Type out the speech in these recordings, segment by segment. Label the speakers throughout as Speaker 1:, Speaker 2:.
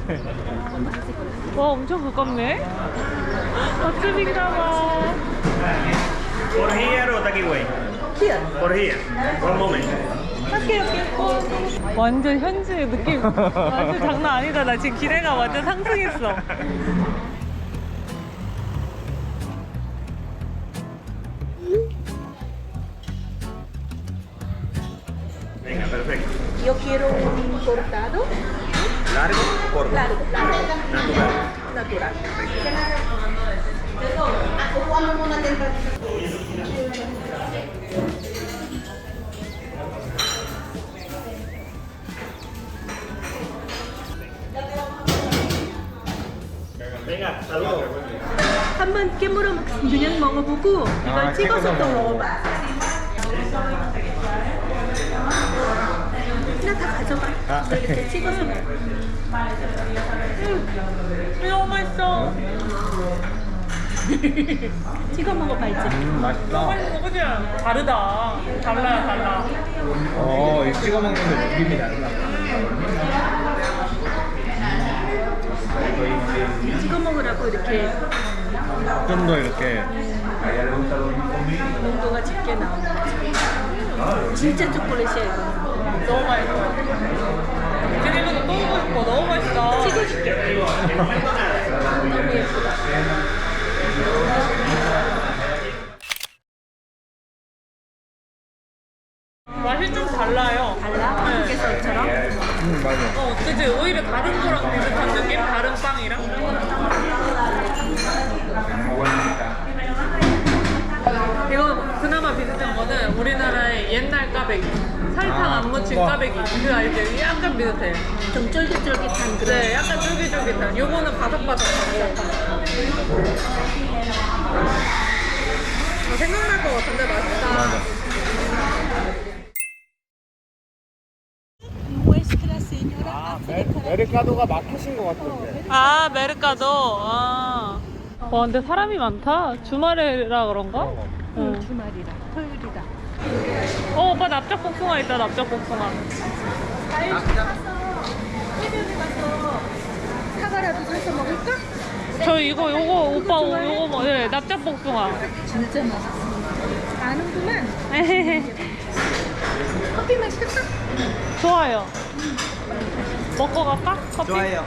Speaker 1: 와 엄청 가깝네. 맛집인가봐.
Speaker 2: Por here or takeaway?
Speaker 3: Here.
Speaker 2: Por here. One moment.
Speaker 3: Okay, okay.
Speaker 1: 완전 현지 느낌 완전 장난 아니다. 나 지금 기대가 완전 상승했어.
Speaker 2: Venga, perfecto.
Speaker 3: Yo quiero un cortado
Speaker 2: ¿Largo o corto?
Speaker 3: largo,
Speaker 2: Natural.
Speaker 3: natural.
Speaker 2: Venga, saludos.
Speaker 3: 한번 깨물어 그냥 먹어보고 이걸 찍어서 또 먹어봐. 그냥 다 가져가. 이렇게 찍어서 먹어.
Speaker 1: 너무 맛있어.
Speaker 3: 찍어 먹어봐야지.
Speaker 4: 맛있다.
Speaker 1: 맛있어 그치? 다르다. 달라.
Speaker 4: 이 찍어 먹는 거 느낌이 달라.
Speaker 3: 찍어 먹으라고 이렇게
Speaker 4: 좀 더 이렇게
Speaker 3: 농도가 짙게 나오는 거지. 진짜 초콜릿이야 이거.
Speaker 1: 너무 맛있어. 지금 이거 또 먹고 싶어. 너무 맛있다.
Speaker 3: 찍어줄게. 너무 예쁘다.
Speaker 1: 맛이 좀 달라요.
Speaker 3: 달라?
Speaker 1: 네.
Speaker 3: 한국에서처럼?
Speaker 4: 맞아.
Speaker 1: 그치? 오히려 다른 거랑 비슷한 느낌? 다른 빵이랑? 이거 그나마 비슷한 거는 우리나라의 옛날 까베기. 설탕 안 묻힌 까베기. 그 알지? 약간 비슷해.
Speaker 3: 좀 쫄깃쫄깃한 그런.
Speaker 1: 네, 약간 쫄깃쫄깃한. 요거는 바삭바삭하고. 생각날 것 같은데 맛있다.
Speaker 4: 메르카도가 마켓인 것 같던데.
Speaker 1: 아, 메르카도. 아. 와, 근데 사람이 많다. 주말이라 그런가? 응.
Speaker 3: 주말이라 토요일이다.
Speaker 1: 오빠 납작복숭아 있다. 납작복숭아.
Speaker 3: 사과라도 사서 먹을까?
Speaker 1: 저 요거 오빠 요거 뭐 네, 납작복숭아.
Speaker 3: 진짜 맛있어. 아는구만. 커피 마실까?
Speaker 1: 좋아요. 먹고 갈까? 커피?
Speaker 4: 좋아요.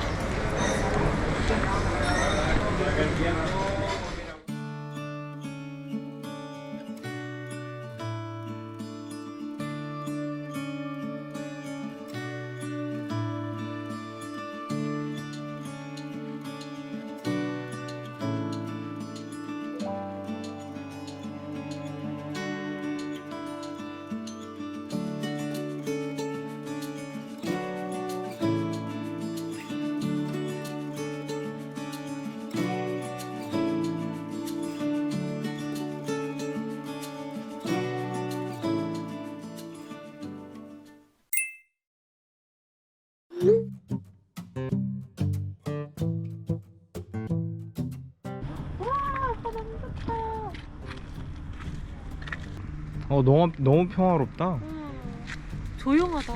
Speaker 4: 너무 평화롭다.
Speaker 1: 조용하다.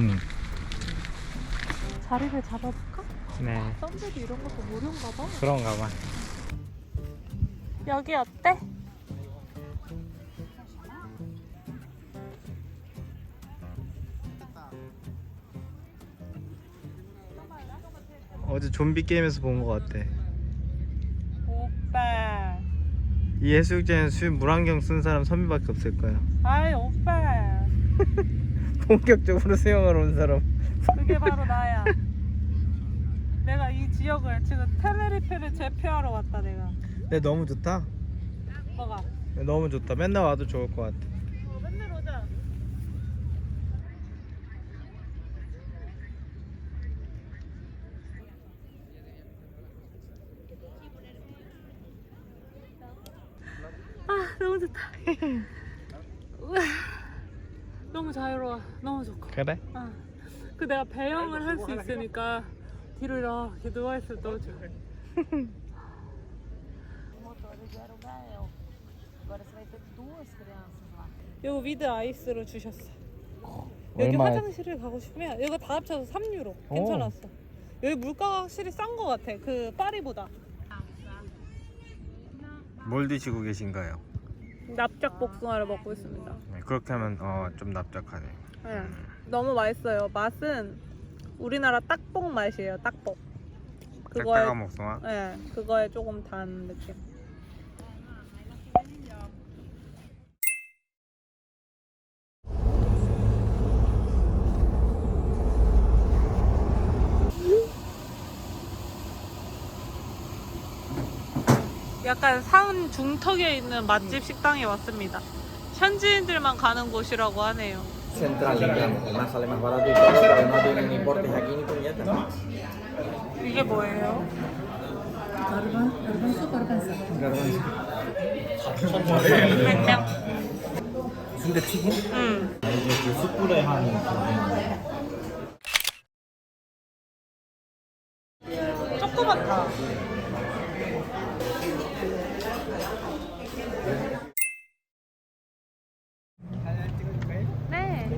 Speaker 1: 자리를 잡아볼까?
Speaker 4: 네.
Speaker 1: 썬베드 이런 것도 무료인가 봐.
Speaker 4: 그런가 봐.
Speaker 1: 여기 어때?
Speaker 4: 어제 좀비 게임에서 본 것 같아.
Speaker 1: 오빠.
Speaker 4: 이 해수욕장에 물안경 쓴 사람 선비밖에 없을 거야.
Speaker 1: 아이 오빠.
Speaker 4: 본격적으로 수영하러 온 사람.
Speaker 1: 그게 바로 나야. 내가 이 지역을 지금 테네리페를 제패하러 왔다 내가.
Speaker 4: 근데 너무 좋다.
Speaker 1: 뭐가?
Speaker 4: 너무 좋다. 맨날 와도 좋을 것 같아.
Speaker 1: 맨날 오자. 아 너무 좋다. 우와, 너무 자유로워. 너무 좋고.
Speaker 4: 그래?
Speaker 1: 아, 그 내가 배영을 할 수 있으니까 뒤로 이렇게 누워있을 때 너무 좋아. 이거 위드 아이스로 주셨어. 여기
Speaker 4: 얼마야?
Speaker 1: 화장실을 가고 싶으면 이거 다 합쳐서 3유로. 괜찮았어. 여기 물가가 확실히 싼 거 같아. 그 파리보다.
Speaker 4: 뭘 드시고 계신가요?
Speaker 1: 납작 복숭아를 먹고 있습니다.
Speaker 4: 네, 그렇게 하면 좀 납작하네요.
Speaker 1: 네. 너무 맛있어요. 맛은 우리나라 딱복 맛이에요. 딱복.
Speaker 4: 딱딱한 복숭아.
Speaker 1: 네, 그거에 조금 단 느낌. 약간 산 중턱에 있는 맛집 식당에 왔습니다. 현지인들만 가는 곳이라고 하네요.
Speaker 5: Central, digamos, además sale más barato y todo, pero no tienen ni portes aquí ni puñetas.
Speaker 1: 이게 뭐예요? 냉면.
Speaker 5: 순대튀김?
Speaker 1: 응.
Speaker 5: 이게 그 숯불에 하는 그
Speaker 1: 조그맣다. 네.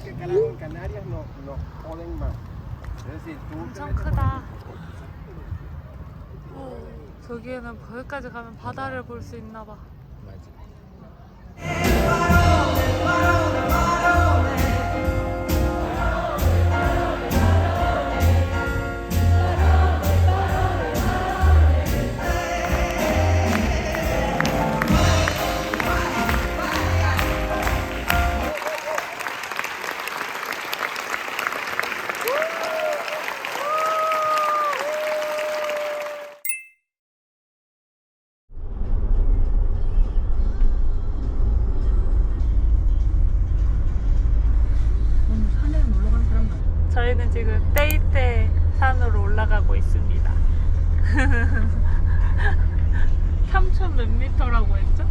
Speaker 1: 엄청 크다. 저기에는 거기까지 가면 바다를 볼 수 있나 봐. 저희는 지금 떼이떼 산으로 올라가고 있습니다. 3,000 몇 미터라고 했죠?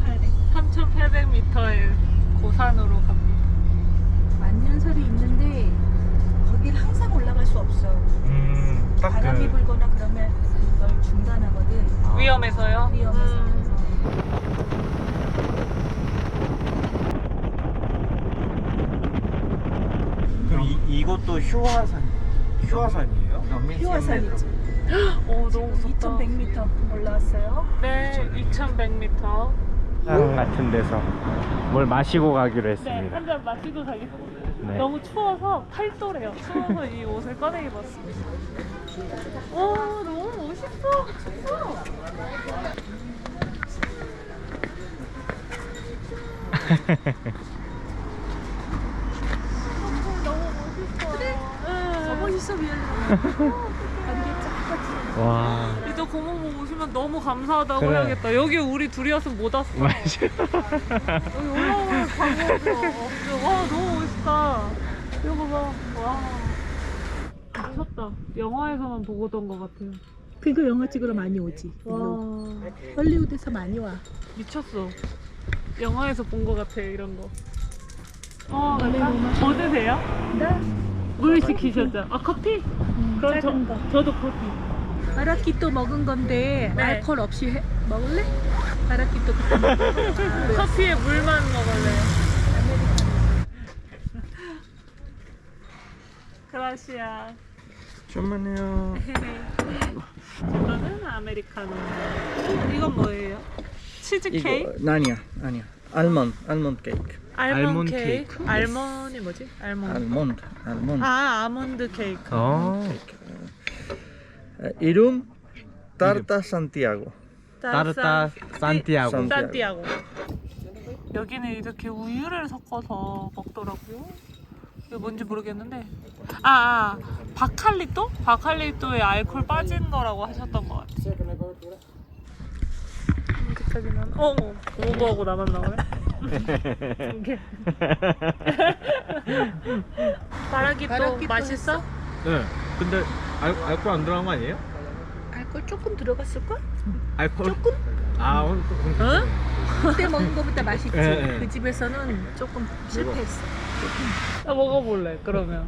Speaker 1: 3,800m의 고산으로 갑니다.
Speaker 3: 만년설이 있는데 거길 항상 올라갈 수 없어.
Speaker 4: 딱
Speaker 3: 바람이
Speaker 4: 그
Speaker 3: 불거나 그러면 이걸 중단하거든.
Speaker 1: 위험해서요?
Speaker 3: 위험해서.
Speaker 4: 그럼 이것도 휴화산이에요?
Speaker 3: 휴화산이죠.
Speaker 1: 오, 너무 무섭다.
Speaker 3: 2,100m 올라왔어요.
Speaker 1: 네, 2,100m.
Speaker 4: 산 같은 데서 뭘 마시고 가기로
Speaker 1: 네,
Speaker 4: 했습니다.
Speaker 1: 한 잔 마시고 가겠습니다.
Speaker 4: 네.
Speaker 1: 너무 추워서 팔도래요. 추워서 이 옷을 꺼내 입었습니다. 오, 너무 멋있어. 춥어.
Speaker 3: 더 멋있어 미안해. 안개 쫙
Speaker 4: 와.
Speaker 1: 이따 고모 오시면 너무 감사하다고
Speaker 4: 그래.
Speaker 1: 해야겠다. 여기 우리 둘이었으면 못 왔어.
Speaker 4: 맞아.
Speaker 1: 여기 올라오면 광고도 없어. 와, 너무 멋있다. 이거 봐. 와. 미쳤다. 영화에서만 보고던 것 같아요.
Speaker 3: 그거 영화 찍으러 많이 오지.
Speaker 1: 와.
Speaker 3: 헐리우드에서 많이 와.
Speaker 1: 미쳤어. 영화에서 본 것 같아, 이런 거. 뭐 드세요?
Speaker 3: 나
Speaker 1: 물 시키셨죠? 아, 커피? 그럼
Speaker 3: 작은 거.
Speaker 1: 저도 커피.
Speaker 3: 마라키또 먹은 건데
Speaker 1: 네.
Speaker 3: 알코올 없이 먹을래? 마라키또
Speaker 1: 커피에 물만 먹을래요. 그라시아.
Speaker 4: 좀만요.
Speaker 1: 저거는 아메리카노. 이건 뭐예요? 치즈 케이크?
Speaker 5: 아니야. 알몬드 케이크.
Speaker 1: 알몬드
Speaker 4: 알몬드
Speaker 1: 케이크?
Speaker 4: 케이크.
Speaker 1: 알몬이 뭐지? 알몬드.
Speaker 5: 알몬드.
Speaker 1: 아, 아몬드 케이크.
Speaker 5: 이름 타르타 산티아고.
Speaker 4: 따르따 산티아고.
Speaker 1: 산티아고. 여기는 이렇게 우유를 섞어서 먹더라고요. 이게 뭔지 모르겠는데. 바칼리또? 바칼리또에 알코올 빠진 거라고 하셨던 것 같아요. 여기까지는 오버하고 나만 나오네. 이게. 마라키또 맛있어?
Speaker 4: 네. 근데 알코올 안 들어간 거 아니에요?
Speaker 3: 알코올 조금 들어갔을걸?
Speaker 4: 알코올?
Speaker 3: 조금?
Speaker 4: 아,
Speaker 1: 응?
Speaker 3: 그때 먹은 거보다 맛있지.
Speaker 4: 네.
Speaker 3: 그 집에서는 조금 실패했어.
Speaker 1: 나 먹어볼래, 그러면.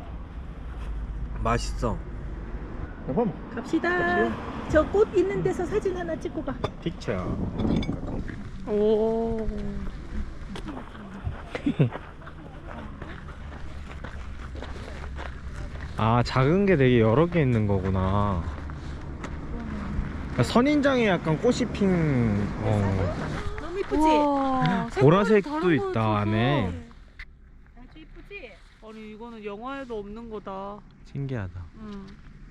Speaker 4: 맛있어.
Speaker 3: 갑시다. 저 꽃 있는 데서 사진 하나 찍고 가.
Speaker 4: 픽처.
Speaker 1: 오.
Speaker 4: 아, 작은 게 되게 여러 개 있는 거구나. 선인장에 약간 꽃이 핀.
Speaker 3: 너무 이쁘지?
Speaker 1: 우와,
Speaker 4: 보라색도
Speaker 1: 색깔이 다른
Speaker 4: 있다,
Speaker 1: 거
Speaker 4: 안에.
Speaker 1: 있어서.
Speaker 3: 아주 이쁘지?
Speaker 1: 아니 이거는 영화에도 없는 거다.
Speaker 4: 신기하다.
Speaker 1: 응.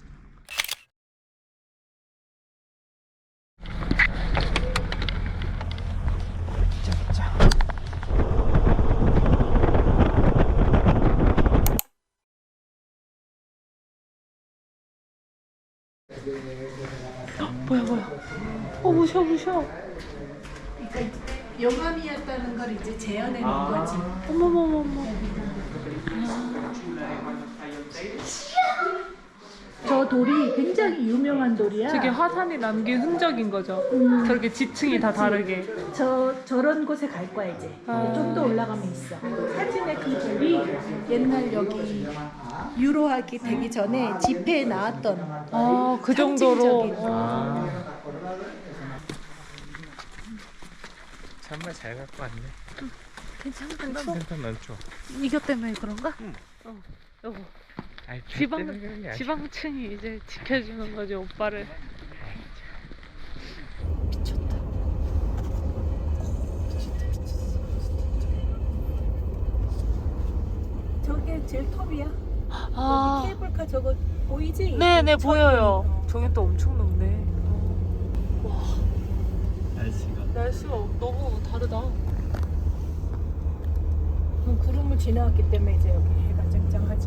Speaker 1: 뭐야 뭐야? 무셔 무셔.
Speaker 3: 그러니까 영감이었다는 걸 이제 재현해 놓은 거지.
Speaker 1: 어머머머머.
Speaker 3: 저 돌이 굉장히 유명한 돌이야.
Speaker 1: 저게 화산이 남긴 흔적인 거죠. 저렇게 지층이 다 다르게.
Speaker 3: 저런 곳에 갈 거야 이제. 좀 더 올라가면 있어. 사진에 그 돌이 옛날 여기 유로하기 되기 전에 집회에 나왔던
Speaker 1: 그 정도로.
Speaker 3: 상징적인.
Speaker 4: 정말 잘 갖고 왔네.
Speaker 1: 괜찮아.
Speaker 4: 난 좋아.
Speaker 1: 이거 때문에 그런가?
Speaker 4: 응.
Speaker 1: 여보. 지방층이 이제 지켜주는 거지 오빠를.
Speaker 3: 저게 제일 톱이야.
Speaker 1: 아,
Speaker 3: 여기 케이블카 저거 보이지?
Speaker 1: 네네 보여요. 저기 또 엄청 높네. 날씨가 너무 다르다.
Speaker 3: 구름을 지나왔기 때문에 이제 여기 해가 쨍쨍하지.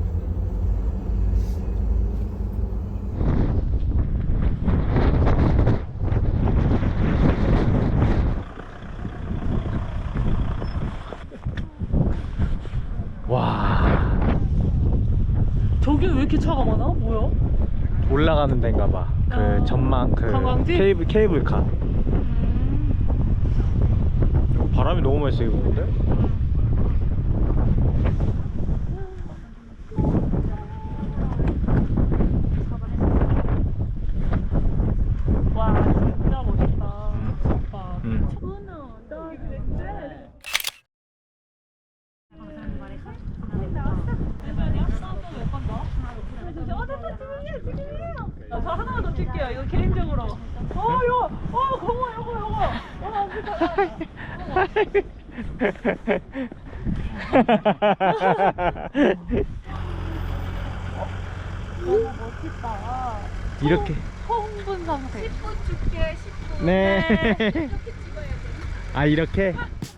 Speaker 4: 와,
Speaker 1: 저기 왜 이렇게 차가 많아? 뭐야?
Speaker 4: 올라가는 데인가 봐. 그 전망, 그
Speaker 1: 관광지?
Speaker 4: 케이블카. 바람이 너무 많이 세게 부는데?
Speaker 1: 와 진짜 멋있다. 오빠. 저 하나만 더 찍게요. 이거 개인적으로. 이거, 요거. 안 너무 멋있다.
Speaker 4: 이렇게.
Speaker 1: 처음 본 상태.
Speaker 3: 10분 줄게 10분.
Speaker 4: 네.
Speaker 3: 이렇게 찍어야 돼.
Speaker 4: 아, 이렇게?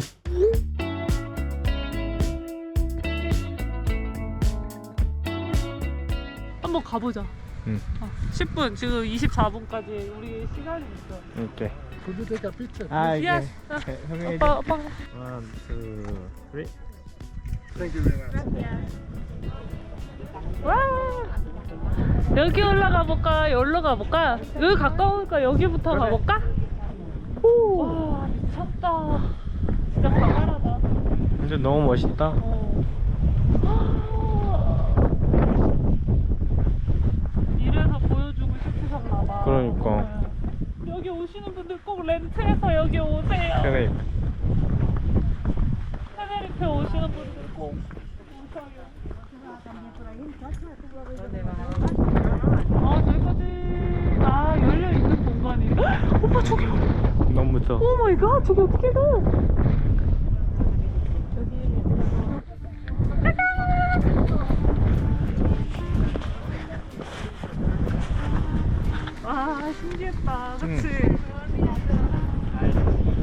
Speaker 1: 한번 가보자.
Speaker 4: 응.
Speaker 1: 10분, 지금 24분까지 우리 시간이 있어.
Speaker 4: 이렇게.
Speaker 5: Could picture?
Speaker 4: 아, 이게.
Speaker 1: Yes.
Speaker 4: 형이
Speaker 1: 오빠.
Speaker 4: 1, 2, 3.
Speaker 5: Thank you very much.
Speaker 1: 와! 여기 올라가 볼까? 여기로 가볼까? 여기 가까우니까 여기부터
Speaker 4: 그래.
Speaker 1: 가볼까? 와, 미쳤다. 진짜 강렬하다.
Speaker 4: 완전 너무 멋있다.
Speaker 1: 이래서 보여주고 싶으셨나봐.
Speaker 4: 그러니까.
Speaker 1: 여기 오시는 분들 꼭 렌트해서 여기 오세요.
Speaker 4: 그래.
Speaker 1: 테네리페 오시는 분들 꼭 오셔요. 저기까지. 열려있는 공간이. 오빠 저기 봐.
Speaker 4: 너무 무서워.
Speaker 1: 오 마이 갓, 저기 어떻게 가? 와, 신기했다. 그치?